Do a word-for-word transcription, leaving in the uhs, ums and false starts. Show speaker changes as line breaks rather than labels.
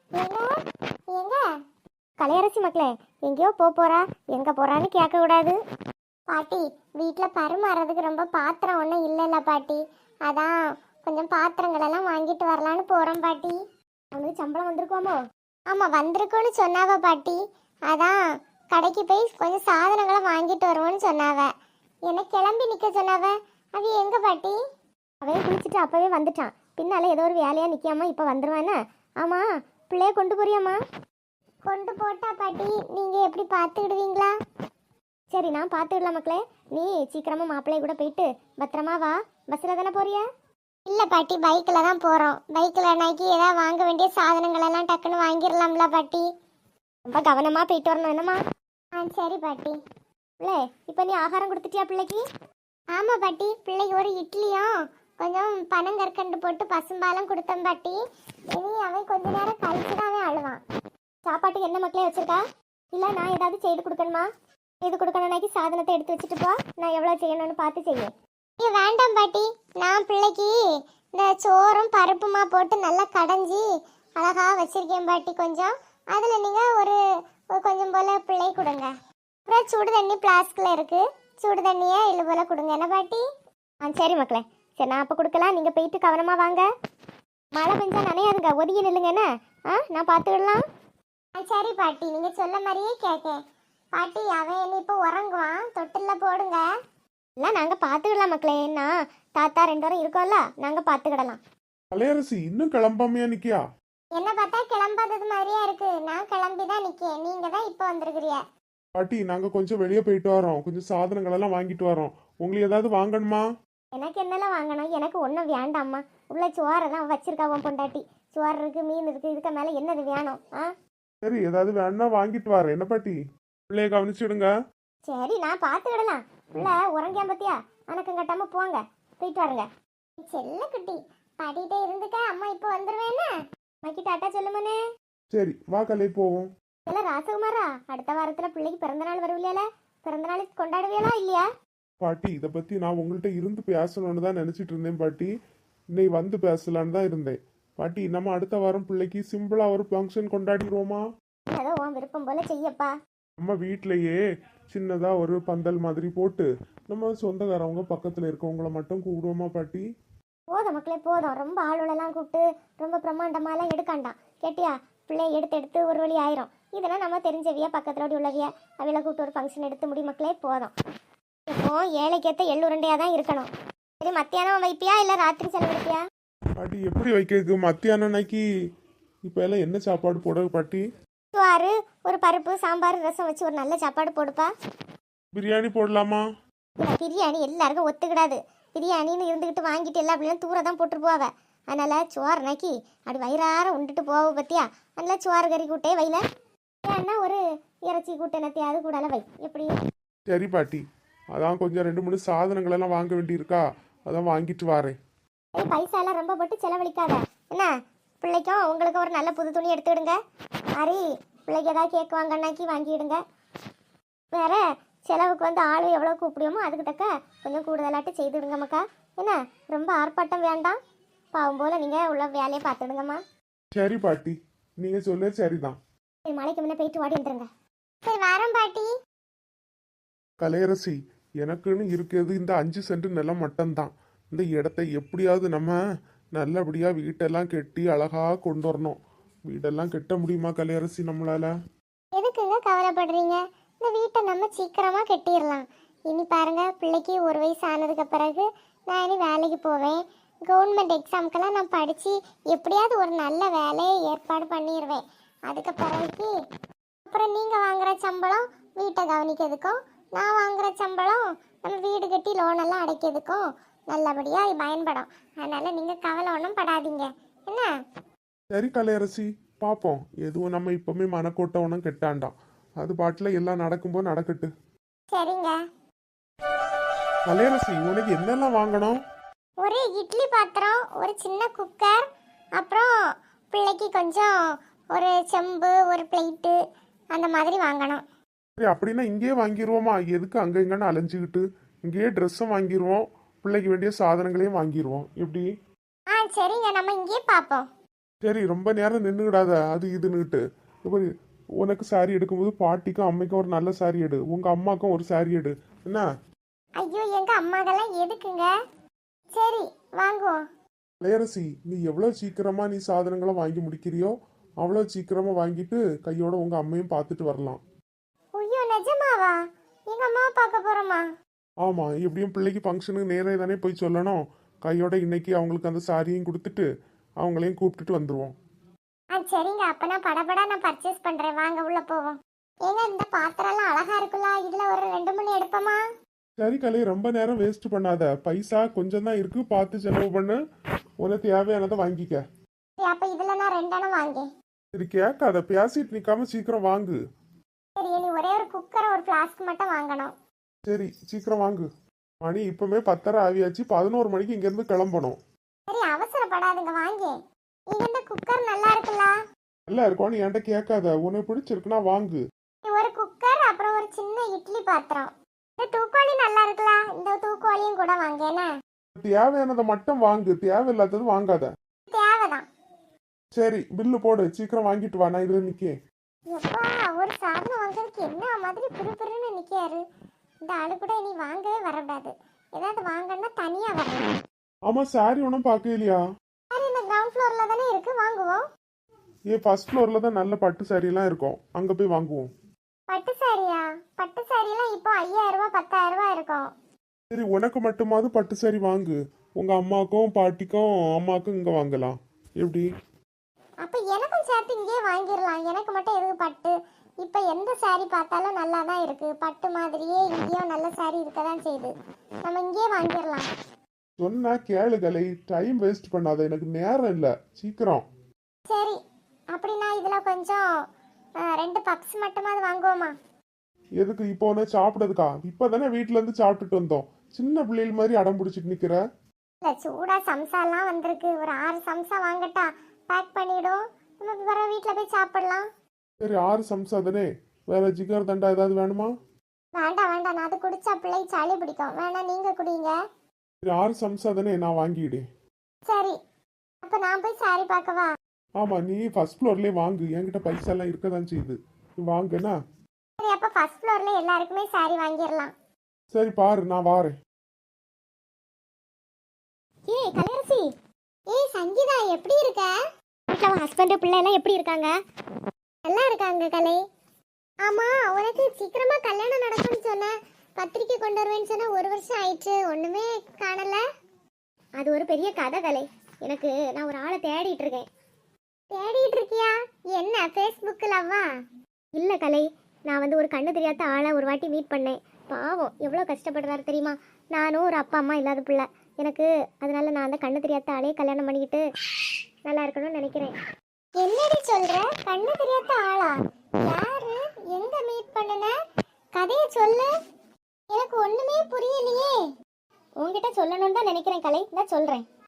எங்க எங்க கலையரசி மக்களே, எங்கேயோ போக போறா, எங்க போறான்னு கேட்க கூடாது. பாட்டி, வீட்டுல பரிமாறதுக்கு ரொம்ப பாத்திரம் ஒன்றும் இல்லைல்ல பாட்டி, அதான் கொஞ்சம் பாத்திரங்கள் எல்லாம் வாங்கிட்டு வரலான்னு போறோம் பாட்டி. அவனுக்கு சம்பளம் வந்திருக்கோமோ? ஆமா, வந்திருக்கோன்னு சொன்னாவ பாட்டி. அதான் கடைக்கு போய் கொஞ்சம் சாதனங்களை வாங்கிட்டு வருவோன்னு சொன்னாவ. என்ன கிளம்பி நிக்க சொன்னாவ. அது எங்க பாட்டி? அவன் குளிச்சுட்டு அப்பவே வந்துட்டான். பின்னால ஏதோ ஒரு வேலையா நிக்காம இப்ப வந்துருவானே. ஆமா, பிள்ளைய கொண்டு போறியாமா? கொண்டு போட்டா பாட்டி, நீங்க எப்படி பாத்துக்கிடுவீங்களா? சரி, நான் பாத்துக்கிடலாம் மக்களே. நீ சீக்கிரமா மாப்பிள்ளைய கூட போயிட்டு பத்திரமா வா. பஸ்ல தானே போறியா? இல்ல பாட்டி, பைக்ல தான் போறோம். பைக்ல நாக்கி ஏதாவது வாங்க வேண்டிய சாதனங்கள் எல்லாம் டக்குன்னு வாங்கிடலாம்ல பாட்டி. ரொம்ப கவனமா போயிட்டு வரணும் என்னம்மா? ஆ சரி பாட்டி. பிள்ளை, இப்ப நீ ஆகாரம் கொடுத்துட்டியா பிள்ளைக்கு? ஆமா பாட்டி, பிள்ளைக்கு ஒரு இட்லியும் கொஞ்சம் பனங்கற்கண்டு போட்டு பசும்பாலும் கொடுத்தேன் பாட்டி. இனி அவன் கொஞ்ச நேரம் கழிச்சு தான் அவன் அழுவான். சாப்பாட்டுக்கு என்ன மக்களே வச்சிருக்கா? இல்ல நான் ஏதாவது செய்து கொடுக்கணுமா? செய்து கொடுக்கணும்னாக்கி சாதனத்தை எடுத்து வச்சுட்டு போ, நான் எவ்வளவு செய்யணும்னு பார்த்து செய்வேன். ஏ வேண்டாம் பாட்டி, நான் பிள்ளைக்கு இந்த சோறும் பருப்புமா போட்டு நல்லா கடைஞ்சி அழகா வச்சிருக்கேன் பாட்டி. கொஞ்சம் அதுல நீங்க ஒரு கொஞ்சம் போல பிள்ளை கொடுங்க. அப்புறம் சுடு தண்ணி பிளாஸ்கில் இருக்கு, சுடு தண்ணியை இல்லை போல கொடுங்க என்ன பாட்டி? ஆ சரி மக்களே, சரி நான் அப்போ கொடுக்கலாம். நீங்கள் போயிட்டு கவனமா வாங்க. மழை பெஞ்சா நனையாதுங்க, ஒதுங்கி நில்லுங்க என்ன. ஆ நான் பார்த்துக்கிடலாம். ஆ சரி பாட்டி, நீங்கள் சொல்ல மாதிரியே கேட்கேன் பாட்டி. அவன் என்ன இப்போ உறங்குவான், தொட்டில்ல போடுங்க. இல்லை நாங்கள் பார்த்துக்கிடலாம் மக்களே. என்ன தாத்தா ரெண்டு வரும் இருக்கோம்ல, நாங்கள் பார்த்துக்கிடலாம்.
கலையரசி இன்னும் கிளம்பாமையா நிக்கியா?
என்ன பார்த்தா கிளம்பாதது மாதிரியா இருக்கு. நான் கிளம்பி தான் நிற்கேன், நீங்கள் தான் இப்போ வந்திருக்கிறீ.
பாட்டி, நாங்க கொஞ்சம் வெளியே போயிட்டு வரோம், கொஞ்சம் சாதனங்கள் எல்லாம் வாங்கிட்டு வரோம். உங்களுக்கு ஏதாவது வாங்கணுமா?
எனக்கு என்னெல்லாம் வாங்கணும்? எனக்கு ஒன்றும் வேண்டாம்மா. உள்ள சோறை தான் வச்சிருக்கா உன் பொண்டாட்டி. சோறு இருக்கு, மீன் இருக்கு, இதுக்கு மேலே என்னது வேணும்? ஆ
சரி, ஏதாவது வேணா வாங்கிட்டு வரேன் என்ன பாட்டி. பிள்ளைய கவனிச்சுடுங்க.
சரி, நான் பார்த்துக்கிடலாம். உள்ள உறங்கியா பத்தியா? அனக்கம் கட்டாம போங்க, போயிட்டு வாருங்க. செல்ல குட்டி, பாட்டிகிட்டே இருந்துக்க, அம்மா இப்போ வந்துருவேன்னு அம்மாக்கி டாட்டா சொல்லுமனே.
சரி வா கலை போவோம்.
இல்லை ராசகுமாரா, அடுத்த வாரத்தில் பிள்ளைக்கு பிறந்த நாள் வருவில்லையா? பிறந்த நாள் கொண்டாடுவியலா இல்லையா?
பாட்டி, இதை பத்தி நான் உங்கள்கிட்ட இருந்து பேசணும்னு தான் நினைச்சிட்டு இருந்தேன் பாட்டி. இன்னைக்கு வந்து பேசலான்னு தான் இருந்தேன் பாட்டி. நம்ம அடுத்த வாரம் பிள்ளைக்கு சிம்பிளா ஒரு ஃபங்க்ஷன் கொண்டாடிடுவோமா?
ஏதோ உன் விருப்பம் போல செய்யப்பா.
நம்ம வீட்டிலேயே சின்னதா ஒரு பந்தல் மாதிரி போட்டு நம்ம சொந்தக்காரவங்க பக்கத்துல இருக்கவங்கள மட்டும் கூப்பிடுவோமா பாட்டி?
போதும் மக்களே போதும். ரொம்ப ஆளுகளெல்லாம் கூப்பிட்டு ரொம்ப பிரம்மாண்டமாலாம் எடுக்காண்டாம் கேட்டியா? பிள்ளைய எடுத்து எடுத்து ஒரு வழி ஆயிரும். இதெல்லாம் நம்ம தெரிஞ்சவியா, பக்கத்துல ஓடி உள்ளவியா, அவையில கூப்பிட்டு ஒரு ஃபங்க்ஷன் எடுத்து முடி மக்களே போதும். இப்போ ஏழைக்கேற்ற எள்ளுருண்டையா தான் இருக்கணும். சரி, மத்தியானம் வைப்பியா இல்லை ராத்திரி செலவழிப்பியா?
பாட்டி எப்படி வைக்கிறதுக்கு மத்தியானம் அன்னைக்கு? இப்போ எல்லாம் என்ன சாப்பாடு போட பாட்டி?
சோறு, ஒரு பருப்பு, சாம்பார், ரசம் வச்சு ஒரு நல்ல சாப்பாடு போடுப்பா.
பிரியாணி போடலாமா?
இல்லை, பிரியாணி எல்லாருக்கும் ஒத்துக்கிடாது. பிரியாணின்னு இருந்துக்கிட்டு வாங்கிட்டு எல்லா அப்படிலாம் தூர தான் போட்டு போவாவ. அதனால சோறு நக்கி அப்படி வயிறார உண்டுட்டு போவ பத்தியா? அதனால சோறு கறி கூட்டே வைல, ஏன்னா ஒரு இறைச்சி கூட்டினத்தையாவது கூடால வை. எப்படி?
சரி பாட்டி, அதான் கொஞ்சம் ரெண்டு மூணு சாதனங்கள் எல்லாம் வாங்க வேண்டியிருக்கா, அதான் வாங்கிட்டு வரேன்.
ஏய், பைசா எல்லாம் ரொம்ப போட்டு செலவழிக்காத என்ன. பிள்ளைக்கும் உங்களுக்கும் ஒரு நல்ல புது துணி எடுத்துக்கிடுங்க. மாதிரி பிள்ளைக்கு ஏதாவது கேக் வாங்கன்னாக்கி வாங்கிடுங்க. வேற செலவுக்கு வந்து ஆளு எவ்வளோ கூப்பிடுவோமோ அதுக்கு தக்க கொஞ்சம் கூடுதலாட்டு செய்துடுங்க மக்கா. என்ன ரொம்ப ஆர்ப்பாட்டம் வேண்டாம். பாவம் போல நீங்கள் உள்ள வேலையை பார்த்துடுங்கம்மா.
சரி பாட்டி, நீங்க சொல்ல சரிதான்.
சரி, மலைக்கு முன்னே போயிட்டு ஓடி வந்துருங்க. சரி வாரம் பாட்டி.
கலையரசி, எனக்குன்னு இருக்கிறது இந்த அஞ்சு சென்ட் நிலம் மட்டும்தான். இந்த இடத்த எப்படியாவது நம்ம நல்லபடியா வீட்டெல்லாம் கட்டி அழகா கொண்டு வரணும். வீடெல்லாம் கட்ட முடியுமா கலையரசி நம்மளால?
எதுக்குங்க கவலைப்படுறீங்க? இந்த வீட்டை நம்ம சீக்கிரமா கட்டிடலாம். இனி பாருங்க, பிள்ளைக்கு ஒரு வயசு ஆனதுக்கு பிறகு நான் இனி வேலைக்கு போவேன். கவர்மெண்ட் எக்ஸாமுக்கெல்லாம் நான் படித்து எப்படியாவது ஒரு நல்ல வேலையை ஏற்பாடு பண்ணிடுவேன். அதுக்கு பிறகு அப்புறம் நீங்கள் வாங்குகிற சம்பளம் வீட்டை கவனிக்கிறதுக்கும், நான் வாங்குகிற சம்பளம் நம்ம வீடு கட்டி லோனெல்லாம் அடைக்கிறதுக்கும் நல்லபடியாக பயன்படும். அதனால் நீங்கள் கவலை ஒன்றும் படாதீங்க என்ன.
சரி கலையரசி, பார்ப்போம். எதுவும் நம்ம இப்பவுமே மனக்கோட்டை ஒன்றும் கெட்டாண்டாம். அது பாட்டில் எல்லாம் நடக்கும்போது நடக்கட்டு.
சரிங்க.
கலையரசி, உனக்கு என்னெல்லாம் வாங்கணும்?
ஒரு இட்லி பாத்திரம், ஒரு சின்ன குக்கர், அப்புறம் பிள்ளைக்கு கொஞ்சம் ஒரு செம்பு, ஒரு பிளேட்டு அந்த மாதிரி வாங்கணும்.
சரி, அப்படின்னா இங்கேயே வாங்கிடுவோமா? எதுக்கு அங்கே இங்கன்னு அலைஞ்சிக்கிட்டு? இங்கேயே ட்ரெஸ்ஸும் வாங்கிடுவோம், பிள்ளைக்கு வேண்டிய சாதனங்களையும் வாங்கிடுவோம். எப்படி?
ஆ சரிங்க, நம்ம இங்கேயே பார்ப்போம்.
சரி ரொம்ப நேரம் நின்றுக்கிடாத அது இதுன்னுட்டு இப்போ உனக்கு சாரி எடுக்கும்போது பாட்டிக்கும் அம்மைக்கும் ஒரு நல்ல சாரி எடு உங்க அம்மாக்கும் ஒரு சாரி எடு என்ன?
ஐயோ எங்க அம்மாக்கெல்லாம் எதுக்குங்க? சரி வாங்குவோம்.
இளையரசி நீ எவ்வளோ சீக்கிரமா நீ சாதனங்களை வாங்கி முடிக்கிறியோ அவ்வளோ சீக்கிரமா வாங்கிட்டு கையோட உங்க அம்மையும் பார்த்துட்டு வரலாம்.
ஐயோ நிஜமாவா? எங்க அம்மாவை பார்க்க போறோமா?
ஆமா எப்படியும் பிள்ளைக்கு ஃபங்க்ஷனுக்கு நேரே தானே போய் சொல்லணும். கையோட இன்னைக்கு அவங்களுக்கு அந்த சாரியும் கொடுத்துட்டு அவங்களையும் கூப்பிட்டுட்டு வந்துருவோம்.
ஆ சரிங்க, அப்ப நான் படபடா நான் பர்ச்சேஸ் பண்றேன். வாங்க உள்ள போவோம். ஏங்க இந்த பாத்திரம் எல்லாம் அழகா இருக்குல்ல, இதுல ஒரு ரெண்டு மணி எடுப்போமா?
சரி கலை ரொம்ப நேரம் வேஸ்ட் பண்ணாத. பைசா கொஞ்சம் தான் இருக்கு, பார்த்து செலவு பண்ணு. உனக்கு தேவையானதை வாங்கிக்க.
சரி, அப்ப இதுல நான் ரெண்டெண்ணம் வாங்கி.
சரி கேட்காத, பேசிட்டு நிக்காம சீக்கிரம் வாங்கு.
சரி இனி ஒரே ஒரு குக்கர் ஒரு ஃப்ளாஸ்க் மட்டும் வாங்கணும்.
சரி சீக்கிரம் வாங்கு. மணி இப்பவுமே பத்தரை ஆவியாச்சு, பதினோரு மணிக்கு இங்க இருந்து கிளம்பணும்.
சரி அவசரப்படாதுங்க வாங்கி. நீங்க இந்த குக்கர் நல்லா இருக்குல்ல?
நல்லா இருக்கும், நீ என்கிட்ட கேட்காத. உனக்கு பிடிச்சிருக்குன்னா வாங்கு.
ஒரு குக்கர் அப்புறம் ஒரு சின்ன இட்லி பாத்திரம். இந்த தூக்குவாளி நல்லா இருக்குல்ல, இந்த தூக்குவாளியும் கூட வாங்க. என்ன
தேவையானதை மட்டும் வாங்கு, தேவையில்லாதது வாங்காத.
தேவைதான்.
சரி பில்லு போடு, சீக்கிரம் வாங்கிட்டு வா, நான் இதுல நிக்கேன்.
எப்பா ஒரு சாதனம் வாங்குறதுக்கு என்ன மாதிரி பிறுபிறுன்னு நிக்காரு. இந்த ஆளு கூட இனி வாங்கவே வரக்கூடாது. ஏதாவது வாங்கன்னா தனியா வரணும்.
ஆமா சாரி ஒன்றும் பார்க்க இல்லையா?
சரி இந்த கிரவுண்ட் ஃப்ளோர்ல தானே இருக்கு, வாங்குவோம்.
ஏ ஃபர்ஸ்ட் ஃப்ளோர்ல தான் நல்ல பட்டு சாரி எல்லாம் இருக்கும், அங்க போய் வாங்குவோம்.
பட்டு சாரியா? பட்டு சாரி எல்லாம் இப்போ ஐயாயிரம் ரூபாய் பத்தாயிரம் ரூபாய் இருக்கும்.
சரி உனக்கு மட்டுமாவது பட்டு சாரி வாங்கு, உங்க அம்மாக்கும் பாட்டிக்கும் அம்மாக்கும் இங்க வாங்கலாம். எப்படி?
அப்ப எனக்கும் சேர்த்து இங்கேயே வாங்கிடலாம். எனக்கு மட்டும் எதுக்கு பட்டு? இப்ப எந்த சாரி பார்த்தாலும் நல்லா தான் இருக்கு. பட்டு மாதிரியே இங்கேயும் நல்ல சாரி இருக்க தான் செய்யுது. நம்ம இங்கேயே வாங்கிடலாம்.
சொன்னா கேளுகளை, டைம் வேஸ்ட் பண்ணாத, எனக்கு நேரம் இல்லை, சீக்கிரம்.
சரி அப்படின்னா இதுல கொஞ்சம் ஆ, ரெண்டு பப்ஸ் மட்டுமாவது வாங்குவோமா?
எதுக்கு இப்போ உன சாப்பிடுறதுக்கா? இப்பதானே வீட்டுல இருந்து சாப்பிட்டுட்டு வந்தோம். சின்ன பிள்ளைகள் மாதிரி அடம் பிடிச்சிட்டு நிக்கிற.
இல்ல சூடா சம்சாலாம் வந்திருக்கு. ஒரு ஆறு சம்சா வாங்கட்டா? பேக் பண்ணிடும், நம்ம வர வீட்டில் போய் சாப்பிடலாம்.
சரி ஆறு சம்சா தானே, வேற ஜிகர் தண்டா ஏதாவது வேணுமா?
வேண்டாம் வேண்டாம், நான் அது குடிச்சா பிள்ளை சளி பிடிக்கும். வேணா நீங்க குடிங்க.
சரி ஆறு சம்சா தானே, நான் வாங்கிடு.
சரி அப்ப நான் போய் சாரி பார்க்கவா?
ஆமா நீ ஃபர்ஸ்ட் ஃப்ளோர்லயே வாங்கு, என்கிட்ட பைசா எல்லாம் இருக்கதான் செய்யுது, நீ வாங்குனா.
சரி அப்ப ஃபர்ஸ்ட் ஃப்ளோர்ல எல்லாருக்குமே சாரி வாங்கிடலாம்.
சரி பாரு நான் வாரேன்.
ஏய் கலையரசி, ஏய் சங்கீதா எப்படி இருக்க? வீட்ல உன் ஹஸ்பண்ட் பிள்ளை எல்லாம் எப்படி இருக்காங்க? நல்லா இருக்காங்க கலை. ஆமா உனக்கு சீக்கிரமா கல்யாணம் நடக்கும்னு சொன்ன, பத்திரிக்கை கொண்டு வருவேன்னு சொன்ன, ஒரு வருஷம் ஆயிடுச்சு ஒண்ணுமே காணல. அது ஒரு பெரிய கதை கலை. எனக்கு நான் ஒரு ஆளை தேடிட்டு இருக்கேன். தேடிட்டு இருக்கியா? என்ன ஃபேஸ்புக்கிலவா? இல்ல கலை, நான் வந்து ஒரு கண்ணு தெரியாத ஆளை ஒரு வாட்டி மீட் பண்ணேன். பாவம் எவ்வளோ கஷ்டப்படுறாரு தெரியுமா? நானும் ஒரு அப்பா அம்மா இல்லாத பிள்ளை எனக்கு, அதனால நான் அந்த கண்ணு தெரியாத ஆளையே கல்யாணம் பண்ணிக்கிட்டு நல்லா இருக்கணும்னு நினைக்கிறேன். என்னடி சொல்ற? கண்ணு தெரியாத ஆளா? யாரு? எங்க மீட் பண்ணுன? கதையை சொல்லு, எனக்கு ஒண்ணுமே புரியலையே. உன்கிட்ட சொல்லணும்னு தான் நினைக்கிறேன் கலை, நான் சொல்றேன்.